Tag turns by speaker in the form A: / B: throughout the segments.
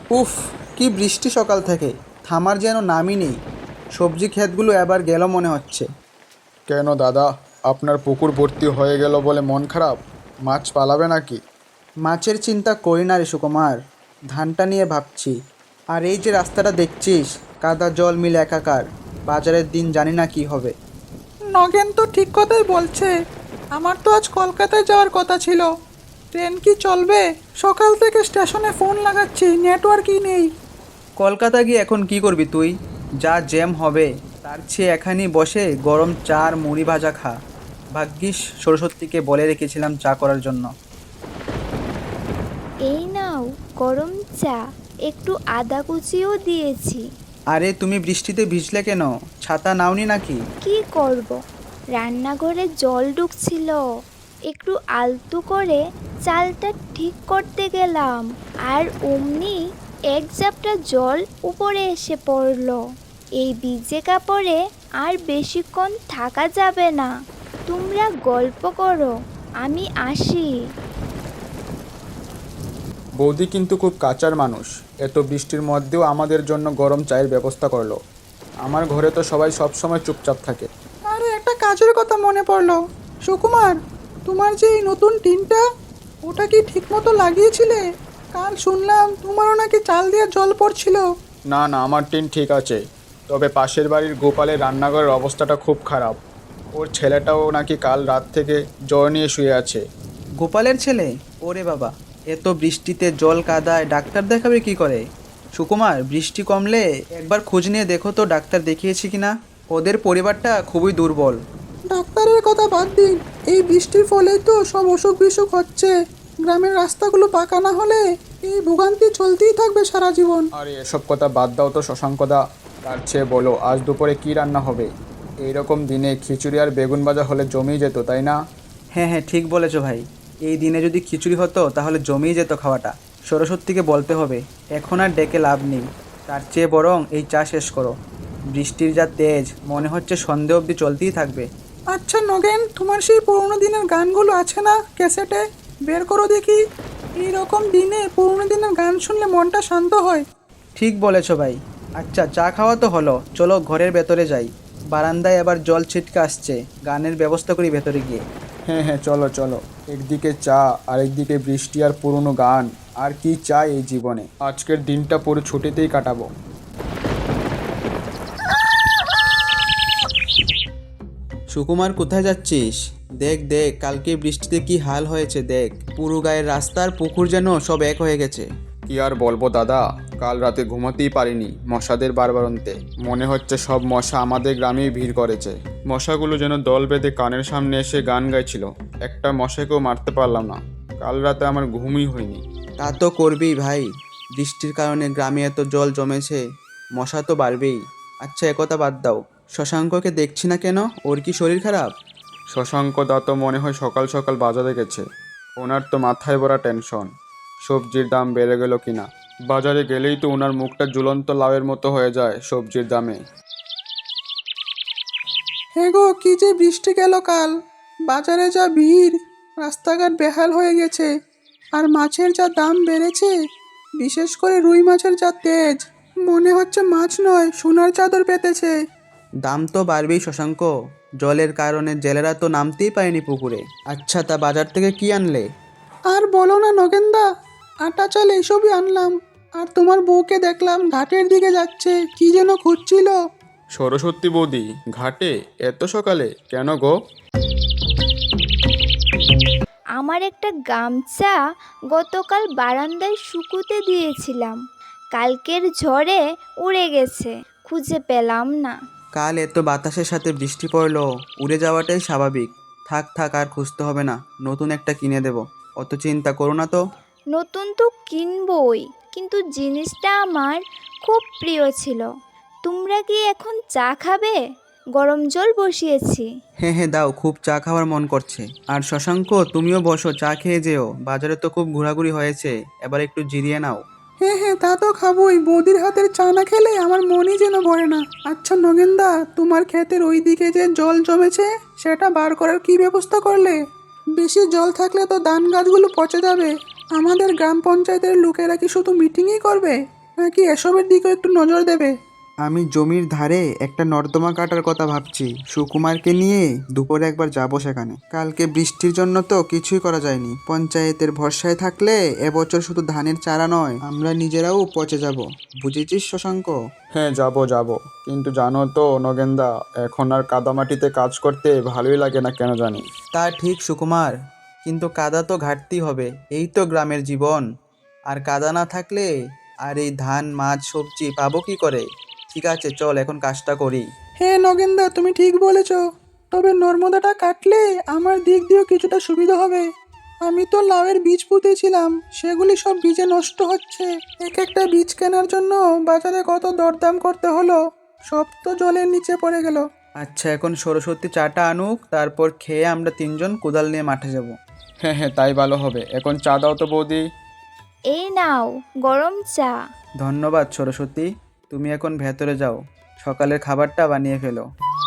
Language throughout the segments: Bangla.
A: উফ, কি বৃষ্টি সকাল থেকে, থামার যেন নামই নেই। সবজি ক্ষেতগুলো এবার গেল মনে হচ্ছে।
B: কেন দাদা, আপনার পুকুর ভর্তি হয়ে গেল বলে মন খারাপ? মাছ পালাবে নাকি?
A: মাছের চিন্তা করি না রে সুকুমার, ধানটা নিয়ে ভাবছি। আর এই যে রাস্তাটা দেখছিস, কাদা জল মিলে একাকার। বাজারের দিন জানি না কি হবে।
C: নগেন তো ঠিক কথাই বলছে। আমার তো আজ কলকাতায় যাওয়ার কথা ছিল। ট্রেন কি চলবে? সকাল থেকে স্টেশনে ফোন লাগাচ্ছি, নেটওয়ার্কই নেই।
A: কলকাতা গিয়ে এখন কি করবি তুই? যা জ্যাম হবে, তার চেয়ে এখানেই বসে গরম চা আর মুড়ি ভাজা খা। ভাগ্যিস সরস্বতীকে বলে রেখেছিলাম চা করার জন্য।
D: এই নাও গরম চা, একটু আদা কুচিও দিয়েছি।
A: আরে তুমি বৃষ্টিতে ভিজলে কেন? ছাতা নাওনি নাকি?
D: কি করব, রান্নাঘরে জল ঢুকছিল, একটু আলতু করে চালটা ঠিক করতে গেলাম, আর অমনি এক ঝাপটা জল উপরে এসে পড়লো। এই ভিজে কাপড়ে আর বেশিক্ষণ থাকা যাবে না। তোমরা গল্প করো, আমি আসি।
B: বৌদি কিন্তু খুব কাঁচার মানুষ, এত বৃষ্টির মধ্যেও আমাদের জন্য গরম চায়ের ব্যবস্থা করলো। আমার ঘরে তো সবাই সবসময় চুপচাপ থাকে।
C: আরে একটা কাজের কথা মনে পড়লো। সুকুমার, তোমার যে এই নতুন টিনটা, ওটা কি ঠিকমতো লাগিয়েছিলে? কাল শুনলাম তোমারও নাকি চাল দিয়ে জল পড়ছিল।
B: না না, আমার টিন ঠিক আছে। তবে পাশের বাড়ির গোপালের রান্নাঘরের অবস্থাটা খুব খারাপ। ওর ছেলেটাও নাকি কাল রাত থেকে জ্বর নিয়ে শুয়ে আছে।
A: গোপালের ছেলে? ওরে বাবা, এত বৃষ্টিতে জল কাদায় ডাক্তার দেখাবে কি করে? সুকুমার, বৃষ্টি কমলে একবার খোঁজ নিয়ে দেখো তো ডাক্তার দেখিয়েছি কিনা। ওদের পরিবারটা খুবই দুর্বল।
C: ডাক্তারের কথা বাদ দিন, এই বৃষ্টির ফলেই তো সব অসুখ বিসুখ হচ্ছে। গ্রামের রাস্তাগুলো পাকা না হলে এই ভোগান্তি চলতেই থাকবে সারা জীবন।
B: আরে এসব কথা বাদ দাও তো শশাঙ্কদা। তার চেয়ে বলো আজ দুপুরে কি রান্না হবে? এইরকম দিনে খিচুড়ি আর বেগুন ভাজা হলে জমেই যেত, তাই না?
A: হ্যাঁ হ্যাঁ, ঠিক বলেছো ভাই। এই দিনে যদি খিচুড়ি হতো তাহলে জমেই যেত খাওয়াটা। সরস্বতীকে বলতে হবে, এখন আর ডেকে লাভ নেই। তার চেয়ে বরং এই চা শেষ করো। বৃষ্টির যা তেজ, মনে হচ্ছে সন্ধে অবধি চলতেই থাকবে।
C: আচ্ছা নগেন, তোমার সেই পুরোনো দিনের গানগুলো আছে না ক্যাসেটে? বের করো দেখি। এই রকম দিনে পুরোনো দিনের গান শুনলে মনটা শান্ত হয়।
A: ঠিক বলেছো ভাই। আচ্ছা, চা খাওয়া তো হলো, চলো ঘরের ভেতরে যাই। বারান্দায় আবার জল ছিটকে আসছে, গানের ব্যবস্থা করি ভেতরে গিয়ে।
B: হ্যাঁ হ্যাঁ, চলো চলো। একদিকে চা আর একদিকে বৃষ্টি আর পুরনো গান, আর কি চাই এই জীবনে? আজকের দিনটা পুরো ছুটিতেই কাটাবো।
A: সুকুমার, কোথায় যাচ্ছিস? দেখ দেখ, কালকে বৃষ্টিতে কি হাল হয়েছে দেখ। পুরো গায়ের রাস্তার পুকুর যেন সব এক হয়ে গেছে।
B: কি আর বলবো দাদা, কাল রাতে ঘুমাতেই পারিনি মশাদের বারবারন্তে। মনে হচ্ছে সব মশা আমাদের গ্রামেই ভিড় করেছে। মশাগুলো যেন দল বেঁধে কানের সামনে এসে গান গাইছিল। একটা মশাকেও মারতে পারলাম না। কাল রাতে আমার ঘুমই হয়নি।
A: তা তো করবেই ভাই, বৃষ্টির কারণে গ্রামে এত জল জমেছে, মশা তো বাড়বেই। আচ্ছা, একথা বাদ দাও, শশাঙ্ককে দেখছি না কেন? ওর কি শরীর খারাপ?
B: শশাঙ্ক দা তো মনে হয় সকাল সকাল বাজারে গেছে। ওনার তো মাথায় ভরা টেনশন, সবজির দাম বেড়ে গেল কিনা। বাজারে গেলেই তো ওনার মুখটা ঝুলন্ত লাউয়ের মতো হয়ে যায় সবজির দামে।
C: হ্যাঁ গো, কি যে বৃষ্টি গেল কাল। বাজারে যা ভিড়, রাস্তাঘাট বেহাল হয়ে গেছে। আর মাছের যা দাম বেড়েছে, বিশেষ করে রুই মাছের যা তেজ, মনে হচ্ছে মাছ নয় সোনার চাদর পেতেছে।
A: দাম তো বাড়বেই শশাঙ্ক, জলের কারণে জেলেরা তো নামতেই পারেনি পুকুরে। আচ্ছা, তা বাজার থেকে কি আনলে?
C: আর বলো না নগেনদা, আটা চাল এইসবই আনলাম। আর তোমার বউকে দেখলাম ঘাটের দিকে যাচ্ছে, কি যেন খুঁজছিল।
B: সরস্বতী বৌদি ঘাটে এত সকালে কেন গো?
D: আমার একটা গামছা গতকাল বারান্দায় শুকুতে দিয়েছিলাম, কালকের ঝড়ে উড়ে গেছে, খুঁজে পেলাম না।
A: কাল এত বাতাসের সাথে বৃষ্টি পড়লো, উড়ে যাওয়াটাই স্বাভাবিক। থাক থাক, আর খুঁজতে হবে না, নতুন একটা কিনে দেব। অত চিন্তা করো না তো।
D: নতুন তো কিনবই, কিন্তু জিনিসটা আমার খুব প্রিয় ছিল। তোমরা কি এখন চা খাবে? গরম জল বসিয়েছি।
A: হ্যাঁ হ্যাঁ, দাও, খুব চা খাওয়ার মন করছে। আর শশাঙ্ক, তুমিও বসো, চা খেয়ে যেও। বাজারে তো খুব ঘোরাঘুরি হয়েছে, এবার একটু জিরিয়ে নাও।
C: হ্যাঁ হ্যাঁ, তা তো খাবোই। বৌদির হাতের চা না খেলে আমার মনই যেন ভরে না। আচ্ছা নগেনদা, তোমার ক্ষেতের ওই দিকে যে জল জমেছে, সেটা বার করার কি ব্যবস্থা করলে? বেশি জল থাকলে তো ধান গাছগুলো পচে যাবে। আমাদের গ্রাম পঞ্চায়েতের লোকেরা কি শুধু মিটিংই করবে? নাকি এসবের দিকেও একটু নজর দেবে?
A: আমি জমির ধারে একটা নর্দমা কাটার কথা ভাবছি। সুকুমারকে নিয়ে দুপুরে একবার যাব সেখানে। কালকে বৃষ্টির জন্য তো কিছুই করা যায়নি। পঞ্চায়েতের ভরসায় থাকলে এবছর শুধু ধানের চারা নয়, আমরা নিজেরাও পচে যাব। বুঝেছিস শশাঙ্ক?
B: হ্যাঁ, যাব যাব। কিন্তু জানো তো নগেনদা, এখন আর কাদামাটিতে কাজ করতে ভালোই লাগে না কেন জানি।
A: তা ঠিক সুকুমার, কিন্তু কাদা তো ঘাটতি হবে, এই তো গ্রামের জীবন। আর কাদা না থাকলে আর এই ধান মাছ সবজি পাবো কি করে? ঠিক আছে, চল এখন কাজটা করি।
C: হ্যাঁ নগেনদা, তুমি ঠিক বলেছ। তবে নর্মদাটা কাটলে আমার দিক দিয়েও কিছুটা সুবিধা হবে। আমি তো লাউয়ের বীজ পুঁতেছিলাম, সেগুলি সব বীজে নষ্ট হচ্ছে। এক একটা বীজ কেনার জন্য বাজারে কত দরদাম করতে হলো, সব তো জলের নিচে পড়ে গেল।
A: আচ্ছা, এখন সরস্বতী চাটা আনুক, তারপর খেয়ে আমরা তিনজন কোদাল নিয়ে মাঠে যাব।
B: হ্যাঁ হ্যাঁ, তাই ভালো হবে। এখন চা দাও তো বৌদি।
D: এই নাও গরম চা।
A: ধন্যবাদ সরস্বতী, তুমি এখন ভেতরে যাও, সকালের খাবারটা বানিয়ে ফেলো।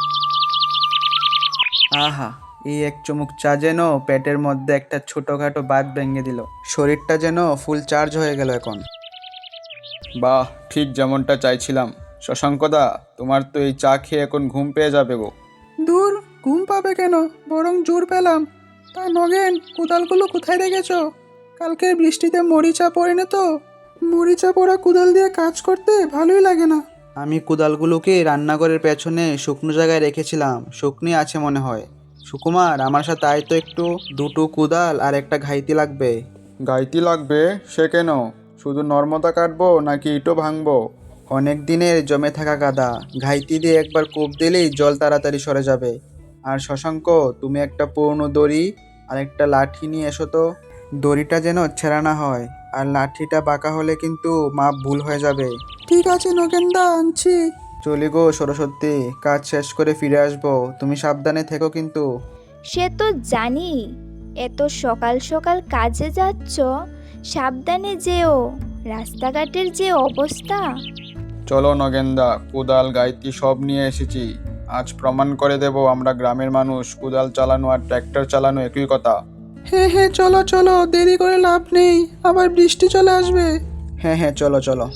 A: আহা, এই এক চুমুক চা যেন পেটের মধ্যে একটা ছোটোখাটো বাত ভেঙে দিল। শরীরটা যেন ফুল চার্জ হয়ে গেল এখন।
B: বাহ, ঠিক যেমনটা চাইছিলাম। শশাঙ্কদা, তোমার তো এই চা খেয়ে এখন ঘুম পেয়ে যাবে গো।
C: দূর, ঘুম পাবে কেন, বরং জোর পেলাম। তা নগেন, কোদালগুলো কোথায় রেখেছো? কালকের বৃষ্টিতে মরিচা পড়েনি তো? মরিচা পড়া কোদাল দিয়ে কাজ করতে ভালোই লাগে না।
A: আমি কোদালগুলোকে রান্নাঘরের পেছনে শুকনো জায়গায় রেখেছিলাম, শুকনি আছে মনে হয়। সুকুমার, আমার সাথে আয় তো একটু। দুটো কোদাল আর একটা ঘাইতি লাগবে।
B: গাইতি লাগবে? সে কেন? শুধু নর্মদা কাটবো নাকি ইটও ভাঙবো?
A: অনেক দিনের জমে থাকা কাদা, ঘাইতি দিয়ে একবার কূপ দিলেই জল তাড়াতাড়ি সরে যাবে। আর শশাঙ্ক, তুমি একটা পুরনো দড়ি আর একটা লাঠি নিয়ে এসো তো। দড়িটা যেন ছেঁড়া না হয়, আর লাঠিটা বাঁকা হলে কিন্তু মাপ ভুল হয়ে যাবে।
C: ঠিক আছে নগেনদা, আনছি।
A: চলি গো সরস্বতী, কাজ শেষ করে ফিরে আসবো, তুমি সাবধানে থেকো কিন্তু।
D: সে তো জানি, এত সকাল সকাল কাজে যাচ্ছ, সাবধানে যেও, রাস্তাঘাটের যে অবস্থা।
B: চলো নগেনদা, কোদাল গাইতি সব নিয়ে এসেছি। আজ প্রমাণ করে দেব আমরা গ্রামের মানুষ, কোদাল চালানো আর ট্র্যাক্টর চালানো একই কথা।
C: হ্যাঁ হ্যাঁ, চলো চলো, দেরি করে লাভ নেই, আবার বৃষ্টি চলে আসবে।
A: হ্যাঁ হ্যাঁ, চলো চলো।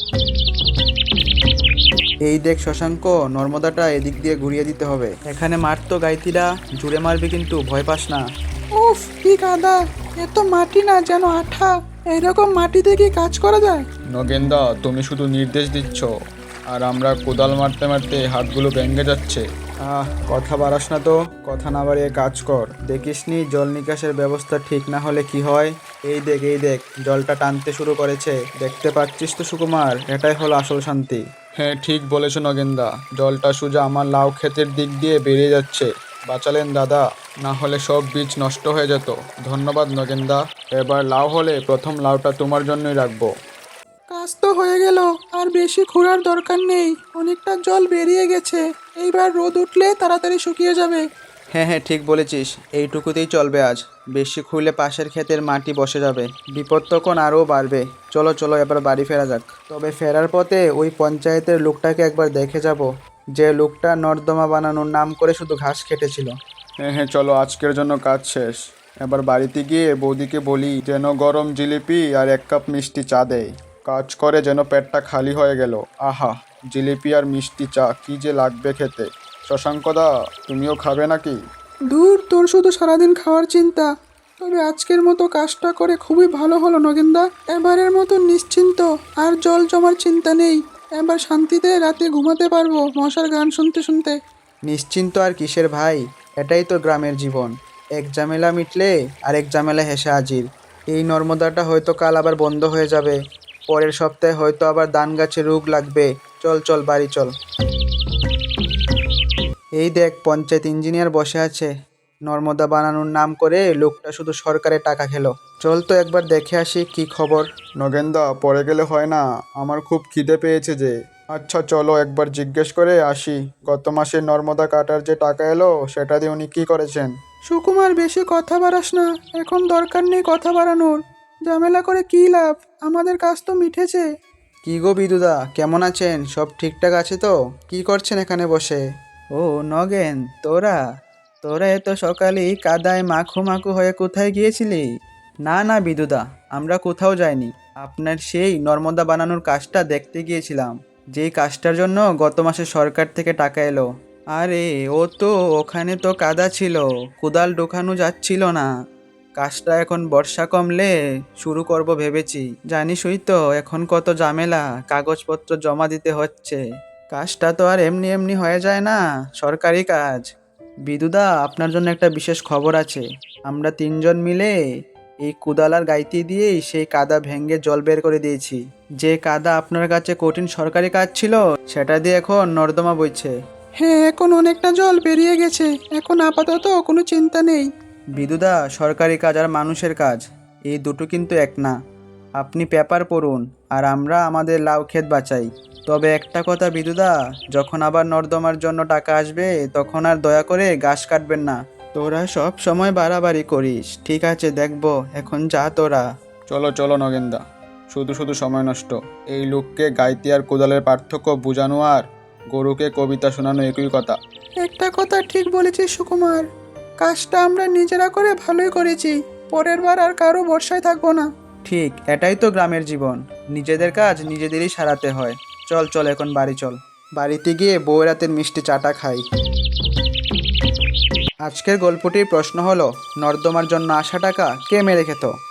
A: এই দেখ শশাঙ্ক, নর্মদাটা এদিক দিয়ে ঘুরিয়ে দিতে হবে। এখানে মারতো গাইতিরা, জুড়ে মারবি কিন্তু, ভয় পাস না।
C: উফ, কি কাদা! এত মাটি না, যেন আঠা। এরকম মাটিতে কি কাজ করা যায়?
B: নগেনদা, তুমি শুধু নির্দেশ দিচ্ছ, আর আমরা কোদাল মারতে মারতে হাতগুলো ভেঙে যাচ্ছে।
A: কথা বাড়াস না তো, কথা না বাড়িয়ে কাজ কর। দেখিসনি জল নিকাশের ব্যবস্থা ঠিক না হলে কি হয়? এই দেখ জলটা টানতে শুরু করেছে, দেখতে পাচ্ছিস তো সুকুমার? এটাই হলো আসল শান্তি।
B: হ্যাঁ, ঠিক বলেছ নগেনদা, জলটা সোজা আমার লাউ ক্ষেতের দিক দিয়ে বেরিয়ে যাচ্ছে। বাঁচালেন দাদা, না হলে সব বীজ নষ্ট হয়ে যেত। ধন্যবাদ নগেনদা। এবার লাউ হলে প্রথম লাউটা তোমার জন্যই রাখবো।
C: কাজ তো হয়ে গেল, আর বেশি খোঁড়ার দরকার নেই, অনেকটা জল বেরিয়ে গেছে। এইবার রোদ উঠলে তাড়াতাড়ি শুকিয়ে যাবে।
A: হ্যাঁ হ্যাঁ, ঠিক বলেছিস, এইটুকুতেই চলবে আজ। বেশি খুঁড়লে পাশের ক্ষেতের মাটি বসে যাবে, বিপদ তখন আরও বাড়বে। চলো চলো, এবার বাড়ি ফেরা যাক। তবে ফেরার পথে ওই পঞ্চায়েতের লোকটাকে একবার দেখে যাব, যে লোকটা নর্দমা বানানোর নাম করে শুধু ঘাস কেটেছিল।
B: হ্যাঁ হ্যাঁ, চলো, আজকের জন্য কাজ শেষ। এবার বাড়িতে গিয়ে বৌদিকে বলি যেন গরম জিলিপি আর 1 কাপ মিষ্টি চা দেয়। কাজ করে যেন পেটটা খালি হয়ে গেল। আহা, জিলিপি আর মিষ্টি চা কি যে লাগবে খেতে। শশাঙ্কদা, তুমিও খাবে নাকি?
C: দূর, তোর শুধু সারাদিন খাওয়ার চিন্তা। তবে আজকের মতো কাজটা করে খুবই ভালো হলো নগেনদা। এবারের মতো নিশ্চিন্ত, আর জল জমার চিন্তা নেই। এবার শান্তিতে রাতে ঘুমাতে পারবো মশার গান শুনতে শুনতে।
A: নিশ্চিন্ত আর কিসের ভাই, এটাই তো গ্রামের জীবন। এক ঝামেলা মিটলে আরেক ঝামেলা হেসে হাজির। এই নর্মদাটা হয়তো কাল আবার বন্ধ হয়ে যাবে, পরের সপ্তাহে হয়তো আবার ধান গাছে রোগ লাগবে। চল চল, বাড়ি চল। এই দেখ, পঞ্চায়েত ইঞ্জিনিয়ার বসে আছে। নর্মদা বানানোর নাম করে লোকটা শুধু সরকারের টাকা খেলো। চল তো একবার দেখে আসি কি খবর।
B: নগেনদা, পরে গেলে হয় না, আমার খুব খিদে পেয়েছে যে। আচ্ছা চলো, একবার জিজ্ঞেস করে আসি। গত মাসে নর্মদা কাটার যে টাকা এলো, সেটা দিয়ে উনি কী করেছেন?
C: সুকুমার, বেশি কথা বাড়াস না, এখন দরকার নেই কথা বাড়ানোর। ঝামেলা করে কী লাভ, আমাদের কাজ তো মিটেছে।
A: কি গো বিদুদা, কেমন আছেন? সব ঠিকঠাক আছে তো? কি করছেন এখানে বসে? ও নগেন, তোরা তোরা এত সকালেই কাদায় মাখু মাখু হয়ে কোথায় গিয়েছিলি? না না বিদুদা, আমরা কোথাও যাইনি। আপনার সেই নর্মদা বানানোর কাজটা দেখতে গিয়েছিলাম, যেই কাজটার জন্য গত মাসে সরকার থেকে টাকা এলো। আরে ও তো ওখানে তো কাদা ছিল, কোদাল ঢোকানো যাচ্ছিল না। কাজটা এখন বর্ষা কমলে শুরু করব ভেবেছি। জানিসই তো এখন কত ঝামেলা, কাগজপত্র জমা দিতে হচ্ছে। কাজটা তো আর এমনি এমনি হয়ে যায় না, সরকারি কাজ। বিদুদা, আপনার জন্য একটা বিশেষ খবর আছে। আমরা তিনজন মিলে এই কোদাল আর গাইতি দিয়েই সেই কাদা ভেঙে জল বের করে দিয়েছি। যে কাদা আপনার কাছে কঠিন সরকারি কাজ ছিল, সেটা দিয়ে এখন নর্দমা বইছে।
C: হ্যাঁ, এখন অনেকটা জল বেরিয়ে গেছে, এখন আপাতত কোনো চিন্তা নেই।
A: বিদুদা, সরকারি কাজ আর মানুষের কাজ এই দুটো কিন্তু এক না। আপনি পেপার পড়ুন আর আমরা আমাদের লাউ ক্ষেত বাঁচাই। তবে একটা কথা বিদুদা, যখন আবার নর্দমার জন্য টাকা আসবে তখন আর দয়া করে গাছ কাটবেন না। তোরা সব সময় বাড়াবাড়ি করিস। ঠিক আছে, দেখবো, এখন যা তোরা।
B: চলো চলো নগেনদা, শুধু শুধু সময় নষ্ট। এই লোককে গাইতি আর কোদালের পার্থক্য বোঝানো আর গরুকে কবিতা শোনানো একই কথা।
C: একটা কথা ঠিক বলেছিস সুকুমার, কাজটা আমরা নিজেরা করে ভালোই করেছি, পরের বার আর কারো ভরসায় থাকবো না।
A: ঠিক, এটাই তো গ্রামের জীবন। নিজেদের কাজ নিজেদেরই সারাতে হয়। চল চল, এখন বাড়ি চল। বাড়িতে গিয়ে বউ রাতের মিষ্টি চাটা খাই। আজকের গল্পটির প্রশ্ন হলো, নর্দমার জন্য আসা টাকা কে মেরে খেত?